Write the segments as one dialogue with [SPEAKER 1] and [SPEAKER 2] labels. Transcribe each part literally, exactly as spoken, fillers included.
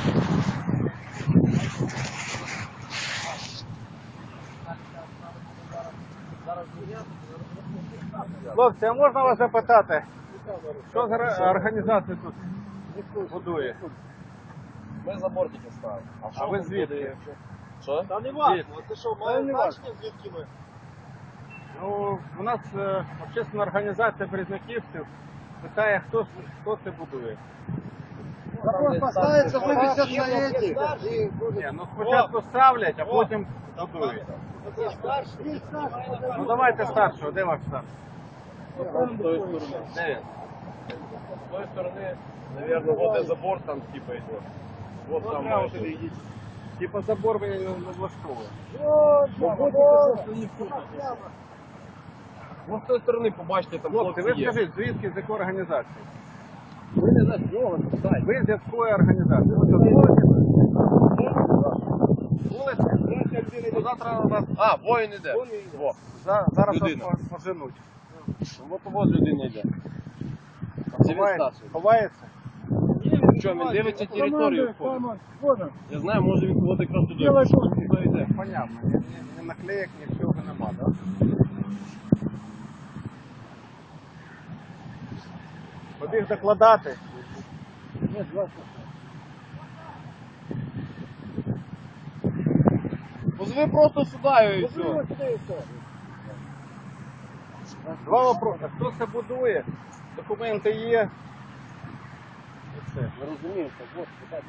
[SPEAKER 1] Хлопці, а можна вас запитати, що за організація тут будує?
[SPEAKER 2] Ми забор тільки ставимо.
[SPEAKER 1] А ви звідки?
[SPEAKER 2] Що?
[SPEAKER 3] Та не важно, це що, має значення, звідки ми?
[SPEAKER 1] Ну, у нас е, общественна організація березняківців питає, хто, хто це будує.
[SPEAKER 3] Вопрос поставиться, вывесят на эти.
[SPEAKER 1] Ні, ну спочатку ставлять, а потім будують. Ну давайте старшого, де ваш старший?
[SPEAKER 2] З тої сторони.
[SPEAKER 1] Де він?
[SPEAKER 2] З тої сторони, мабуть, вот де забор там типа йде. Вот там майже.
[SPEAKER 1] Типа забор ви не влаштовує.
[SPEAKER 2] Ну, з тої сторони, побачите, там
[SPEAKER 1] Хлопці, ви
[SPEAKER 2] хлопці є.
[SPEAKER 1] скажіть, звідки, з якої організації?
[SPEAKER 2] Ви не знаєте, його питають.
[SPEAKER 1] Ви з якої організації? Ви тут вулиці? Вулиці? Ну, завтра вас
[SPEAKER 2] А, воїн іде. Во.
[SPEAKER 1] за- зараз вас
[SPEAKER 2] Людина.
[SPEAKER 1] по- поженуть.
[SPEAKER 2] Вот вот людина йде. Це він
[SPEAKER 1] Ховається?
[SPEAKER 2] старший.
[SPEAKER 1] Ховається?
[SPEAKER 2] Що, він дивиться територію входить? Я знаю, може він кого-то якраз туди. Туди йде.
[SPEAKER 1] Понятно. Ні, ні, ні наклеєк, нічого нема, так? Побіг докладати.
[SPEAKER 2] Позови просто сюди і все.
[SPEAKER 1] Два вопроси. Хто це будує? Документи є. І все.
[SPEAKER 2] Не розумію, що вот,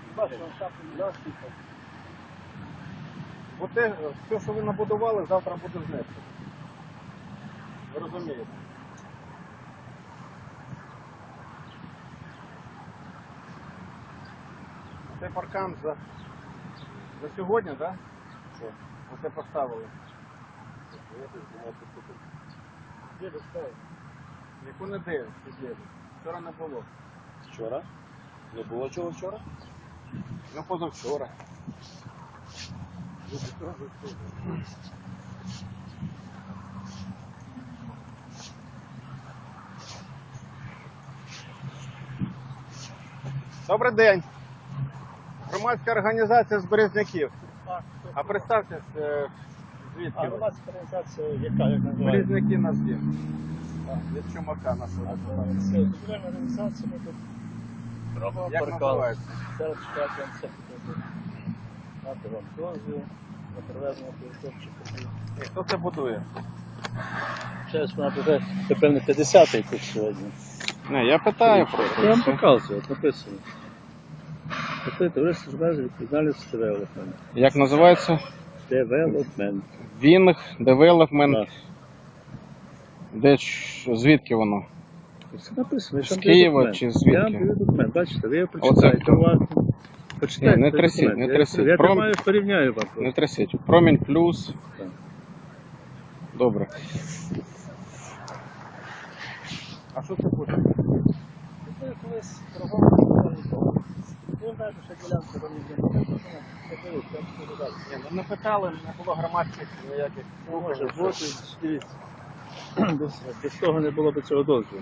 [SPEAKER 1] Бо те, все, що ви набудували, завтра буде знесено. Ви розумієте? Це паркан за, за сьогодні, так? Да?
[SPEAKER 2] Що?
[SPEAKER 1] Оце поставили. Яку неділю сиділи. Вчора не було.
[SPEAKER 2] Вчора? Не було чого вчора?
[SPEAKER 1] Ну позавчора. Добрий день. Громадська організація з Березняків. А представтесь, е, звідки
[SPEAKER 3] А
[SPEAKER 1] ви?
[SPEAKER 3] громадська організація, яка, як називається?
[SPEAKER 1] Березняки нас є. Від чумака нашого депутата.
[SPEAKER 3] Це будівельна організація, ми тут робимо
[SPEAKER 1] Як
[SPEAKER 3] паркан.
[SPEAKER 1] називається?
[SPEAKER 3] Зараз чекати вам все покажу. Дати вам дозвіл на проведення території подій.
[SPEAKER 1] І хто це будує?
[SPEAKER 3] Зараз вона буде, напевно, п'ятдесятий тут сьогодні.
[SPEAKER 1] Не, я питаю
[SPEAKER 3] Я вам показую, от написано. Це товариство з межі відповідальності девелопмент.
[SPEAKER 1] Як називається?
[SPEAKER 3] Девелопмент.
[SPEAKER 1] Вінг, девелопмент.
[SPEAKER 3] Так.
[SPEAKER 1] Де ж- звідки воно?
[SPEAKER 3] Це написано.
[SPEAKER 1] З
[SPEAKER 3] я вам
[SPEAKER 1] Києва
[SPEAKER 3] даю документ.
[SPEAKER 1] чи звідки?
[SPEAKER 3] Я вам даю документ, бачите, ви його
[SPEAKER 1] Оце
[SPEAKER 3] прочитаєте
[SPEAKER 1] хто?
[SPEAKER 3] уважно. Почитайте
[SPEAKER 1] Ні, не
[SPEAKER 3] цей
[SPEAKER 1] трясіть,
[SPEAKER 3] документ.
[SPEAKER 1] не
[SPEAKER 3] Я-
[SPEAKER 1] трясіть.
[SPEAKER 3] Я
[SPEAKER 1] Пром-
[SPEAKER 3] тримаю, порівняю вам.
[SPEAKER 1] Не трясіть. Промінь плюс.
[SPEAKER 3] Так.
[SPEAKER 1] Добре. А що це буде?
[SPEAKER 3] Це колись торговля. Ви знаєте, що ділянка там ніде не написана. Це дивіться, я вам скажу далі.
[SPEAKER 1] Ні, ну не питали, не було громадських ніяких.
[SPEAKER 3] Не може бути, дивіться. Без, без того не було б цього дозволу.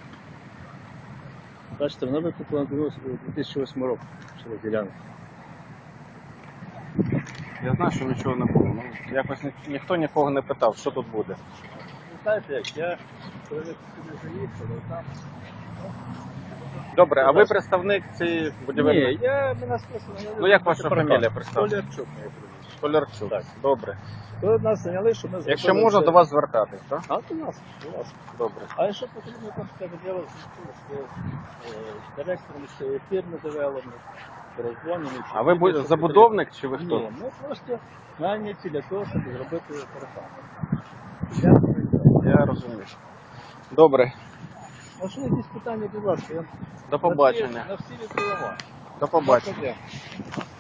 [SPEAKER 3] Бачите, воно викуплено було у дві тисячі восьмому року, через ділянку.
[SPEAKER 1] Я знаю, що нічого не було. Ну, якось ні, ніхто нікого не питав, що тут буде.
[SPEAKER 3] Ви знаєте як, я коли ви сюди заїхали, там...
[SPEAKER 1] Добре, а ви представник цієї будівельної?
[SPEAKER 3] Ні, я, мене списано... я
[SPEAKER 1] Ну, як
[SPEAKER 3] не
[SPEAKER 1] ваша
[SPEAKER 3] паркан.
[SPEAKER 1] фамілія, представте?
[SPEAKER 3] Толярчук моє прізвище.
[SPEAKER 1] Столярчук.
[SPEAKER 3] Так.
[SPEAKER 1] Добре.
[SPEAKER 3] Ви нас зайняли, що ми зробили...
[SPEAKER 1] Якщо можна,
[SPEAKER 3] це-
[SPEAKER 1] до вас звертатись, так?
[SPEAKER 3] А, до нас, до вас.
[SPEAKER 1] Добре.
[SPEAKER 3] А якщо потрібно, там треба діло з директором цієї фірми девелопмент, перезвонимо.
[SPEAKER 1] А ви бу- забудовник чи ви хто?
[SPEAKER 3] Ні, ми просто наняті для того, щоб зробити паркан.
[SPEAKER 1] Я розумію. Добре.
[SPEAKER 3] А що якісь питання, будь ласка? Я
[SPEAKER 1] До побачення.
[SPEAKER 3] На всі відповіла.
[SPEAKER 1] До побачення.
[SPEAKER 3] Проблем.